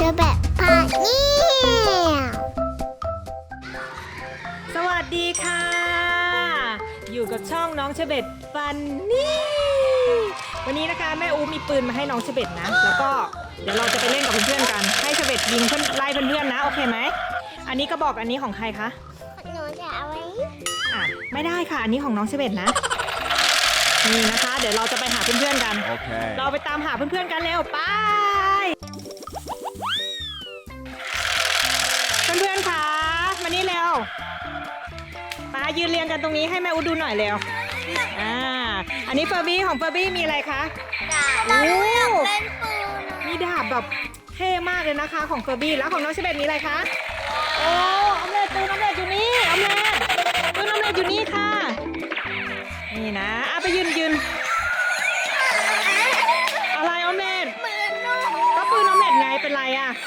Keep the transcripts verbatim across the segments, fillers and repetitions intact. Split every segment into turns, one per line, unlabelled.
อแบบพาเนี่ย
สวัสดีค่ะ อยู่กับช่องน้องเชเบตฟันนี่วันนี้นะคะแม่อูมีปืนมาให้น้องเชเบตนะแล้วก็เดี๋ยวเราจะไปเล่นกับเพื่อนๆกันให้เชเบตยิงเพื่อนไล่เพื่อนๆนะโอเคไหมอันนี้กระบอกอันนี้ของใครคะ
หนูจะเอาไว้
อ่ะไม่ได้ค่ะอันนี้ของน้องเชเบตนะนี่นะคะเดี๋ยวเราจะไปหาเพื่อนๆกัน
Okay.
เราไปตามหาเพื่อนๆกันเร็วไปเพื่อนๆคะมานี่เร็วมายืนเรียงกันตรงนี้ให้แม่อูดูหน่อยเร็วอ่าอันนี้เฟอร์บี้ของเฟอร์บี้มีอะไรคะโอ้มีดาบแบบเท่มากเลยนะคะของเฟอร์บี้แล้วของน้องเชเบตมีอะไรคะโอ้ออมเล็ตปืนออมเล็ตอยู่นี่ออมเล็ตปืนออมเล็ตอยู่นี่ค่ะนี่นะอ่ะไปยืนยืนอะไรออมเล็ตก็ปืนออมเล็ตไงเป็นไรอ่ะ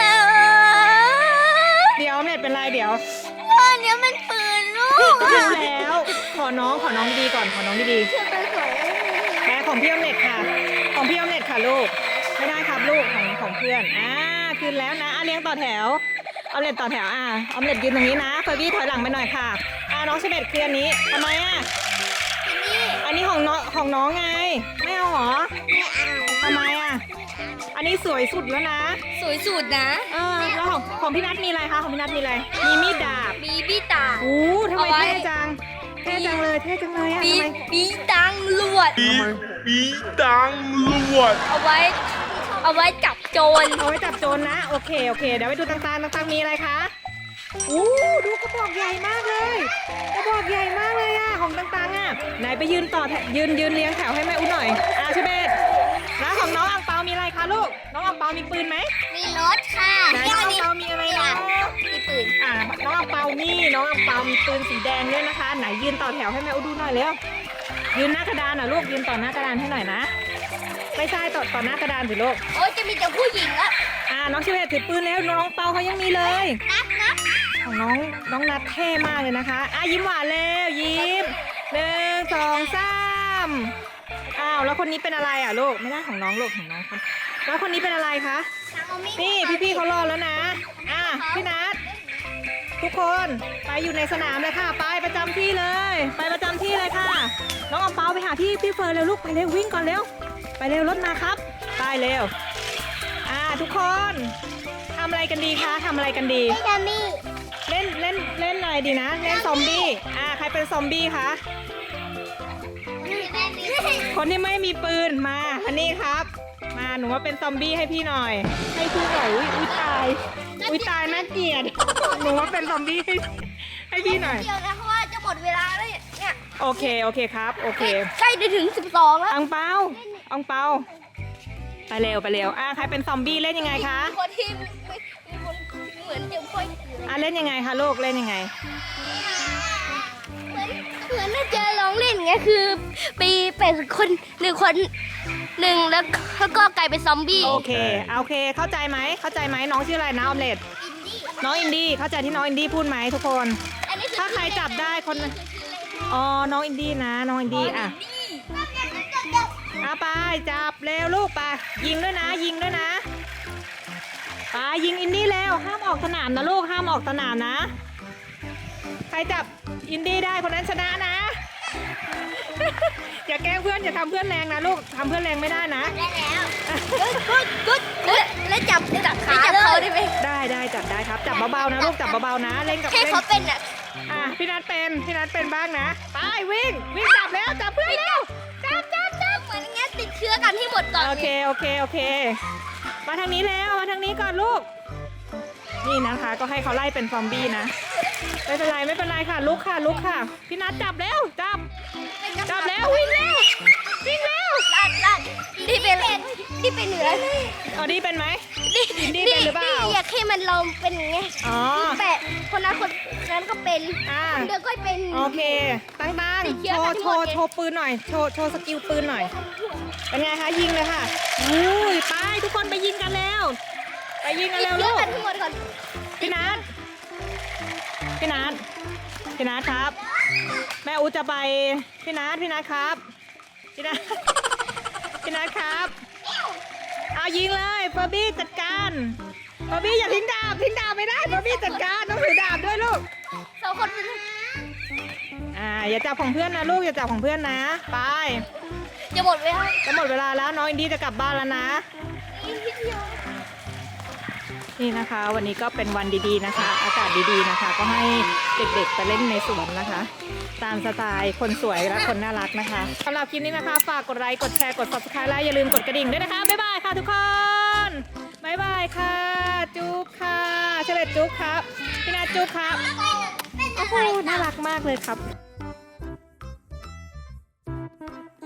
เดี๋ยวออมเล็ตเป็นไรเดี๋ยว
อันนี้มันปืนลูก
ก็รู้แล้วขอน้องขอน้องดีๆก่อนขอน้องดีๆแม่ของพี่ออมเล็ตค่ะของพี่ออมเล็ตค่ะลูกไม่ได้ครับลูกของของเพื่อนอ่าคืนแล้วนะอ่ะเลี้ยงต่อแถวออมเล็ตต่อแถวอ่ะออมเล็ตยืนตรงนี้นะเฟอร์บี้ถอยหลังไปหน่อยค่ะอ่าน้องเชเบตคืนนี้ทำไมอ่ะอันนี้ของน้องของน้องไงไม่เอาหรอทำไมอ่ะอันนี้สวยสุดแล้วนะ
สวยสุดนะ
เออแล้วของของพี่นัทมีอะไรคะของพี่นัทมีอะไรมีมีดดาบ
มีพี่ตา
โอ้ทำไม
เอาไว้
เท่จังเท่จังเลยเท่จังเลยอ่ะ
มี
ทำไม
มีตังลวด
ปีปีตังลวด
เอาไว้ เอาไว้จับโจร
เอาไว้จับโจรนะโอเคโอเคเดี๋ยวไปดูต่างๆต่างๆมีอะไรคะอู้ดูกระบอกใหญ่มากเลยกระบอกใหญ่มากเลยอ่ะของต่างๆอ่ะไหนไปยืนต่อแถวยืนยืนเลี้ยงแถวให้แม่อุ้หน่อยอ่ะเชเบตแล้วของน้องอังเปามีอะไรคะลูกน้องอังเปามีปืนไหม
มีรถค่ะ
ไหนน้องอังเปามีอะไรนะ
มีปืน
อ่ะน้องอังเปานี่น้องอังเปามีปืนสีแดงด้วยนะคะไหนยืนต่อแถวให้แม่อุ้ดูหน่อยเร็วยืนหน้ากระดานอ่ะลูกยืนต่อหน้ากระดานให้หน่อยนะไม่ใช่ต่อต่อหน้ากระดานสิลูก
โอ้ยจะมีแต่ผู้หญิงละ
อ่าน้องเชเวตถือปืนแล้วน้องเปาเขายังมีเลย
นัดนัด
ของน้องน้องนัดเท่มากเลยนะคะอ่ะยิ้มหวานเร็วยิ้มหนึ่งสองสามอ้าวแล้วคนนี้เป็นอะไรอ่ะลูกไม่ได้ของน้องลูกของน้องคนแล้วคนนี้เป็นอะไรคะนี่พี่ๆเขารอแล้วนะอ่ะพี่นัดทุกคนไปอยู่ในสนามเลยค่ะไปประจำที่เลย ไปประจำที่เลยค่ะ น้องอังเปาไปหาพี่พี่เฟิร์นเร็วลูกไปเร็ววิ่งก่อนเร็วไปเร็วรถมาครับไปเร็วอ่าทุกคนทำอะไรกันดีคะทำอะไรกันดี
ไม่จะมี
เล่นเล่นเล่นอะไรดีนะเล่นซอมบี้อ่าใครเป็นซอมบี้คะคนที่ไม่มีปืนมาอันนี้ครับมาหนูว่าเป็นซอมบี้ให้พี่หน่อยให้พี่หน่อยอุ้ยอุ้ยตายอุ้ยตายน่าเกลียดหนูว่าเป็นซอมบี้ให้ให้พี่หน่อย
เดียวนะเพราะว่าจะหมดเวลาแล้วเนี่ย
โอเคโอเคครับโอเค
ใกล้จะถึงสิบสองแล้ว
อังเปาอังเปาไปเร็วไปเร็วอ่ะใครเป็นซอมบี้เล่นยังไงคะ
มีคนที่ไม่มีคนเหมือนจะค่อย
อ่ะเล่นยังไงคะลูกเล่นยังไง
เหมือนเหมือนน่าจะลองเล่นไงคือปีเป็นคนหนึ่งคนหนึ่งแล้วแล้วก็กลายเป็นซอมบี้
โอเคโอเคเข้าใจไหมเข้าใจไหมน้องชื่ออะไรนะออมเล็ตน้องอินดี้เข้าใจที่น้องอินดี้พูดไหมทุกคน
อันนี้อ
ถ้าใครจับได้คนอ๋อน้องอินดี้นะน้องอินดี้อ่ะเอาไปจับเร็วลูกไปยิงด้วยนะยิงด้วยนะไปยิงอินดี้เร็วห้ามออกสนามนะลูกห้ามออกสนามนะใครจับอินดี้ได้คนนั้นชนะนะ อย่าแกล้งเพื่อนอย่าทำเพื่อนแรงนะลูกทำเพื่อนแรงไม่ได้นะ
ได้แล้ว
กุดกุดแล้วแล้วจับจับขาจับเขาได้ไหม
ได้ได้จับได้ครับจับเบาๆนะลูกจับเบาๆนะเล่นกับ
แค่
เล่น
เขาเป็นอ่ะ
อ่ะพี่นัทเป็นพี่นัทเป็นบ้างนะไปวิ่งวิ่งจับแล้วจับเพื่อนเร็วจับจับจับ
เหมือนงั้นติดเชื้อกันที่หมดก่อน
โอเคโอเคโอเค มาทางนี้แล้วมาทางนี้ก่อนลูกนี่นะคะก็ให้เขาไล่เป็นซอมบี้นะไม่เป็นไรไม่เป็นไรค่ะลุกค่ะลุกค่ะพี่นัทจับแล้วจับจับแล้ววิ่งเร็ววิ่งเร็ว
ลาดลาดที่เป็นที่เป็นเหนือ
เอาดีเป็นไหม
นี่
อินดี้เป็นหรือเปล่า
อยากให้มันลองเป็นไง
อ๋อ
แปะคนนั้นคนนั้นก็เป็น
อ่า
คนเดียวก็เป็น
โอเคตั้งตั้ง
ติดเชื้
โช
อ
ว์
ทั้
โช
งหมด
ว์
เลย
โชว์ปืนหน่อยโชว์โชว์สกิลปืนหน่อยเป็นไงคะยิงเลยค่ะอุ้ยไปทุกคนไปยิงกันแล้วไปยิงกัน
ติด
แล้ว
เชื้
ลู
อก กันทั้งหมดก่อน
พี่นัทพี่นัทพี่นัทครับ แม่อูจะไปพี่นัทพี่นัทครับพี่นัทพี่นัทครับเอายิงเลยเฟอร์บี้จัดการบาร์บี้อย่าทิ้งดาบทิ้งดาบไม่ได้บาร์บี้จัดการต้องถือดาบด้วยลูก
สองคนเป็น
อ่าอย่าจับของเพื่อนนะลูกอย่าจับของเพื่อนนะไป
จะหมดเวลา
จะหมดเวลาแล้วน้องอินดี้จะกลับบ้านแล้วนะ
อีกนิดเดียว
นี่นะคะ วันนี้ก็เป็นวันดีๆนะคะ อากาศดีๆนะคะ ก็ให้เด็กๆไปเล่นในสวนนะคะ ตามสไตล์คนสวยและคนน่ารักนะคะสำหรับคลิปนี้นะคะฝากกดไลค์กดแชร์กด ซับสไครบ์ และอย่าลืมกดกระดิ่งด้วยนะคะบ๊ายบายค่ะทุกคนบ๊ายบายค่ะ จุ๊บค่ะเฉลดจุ๊บครับพี่นาจุ๊บครับโอ้โหน่ารักมากเลยครับ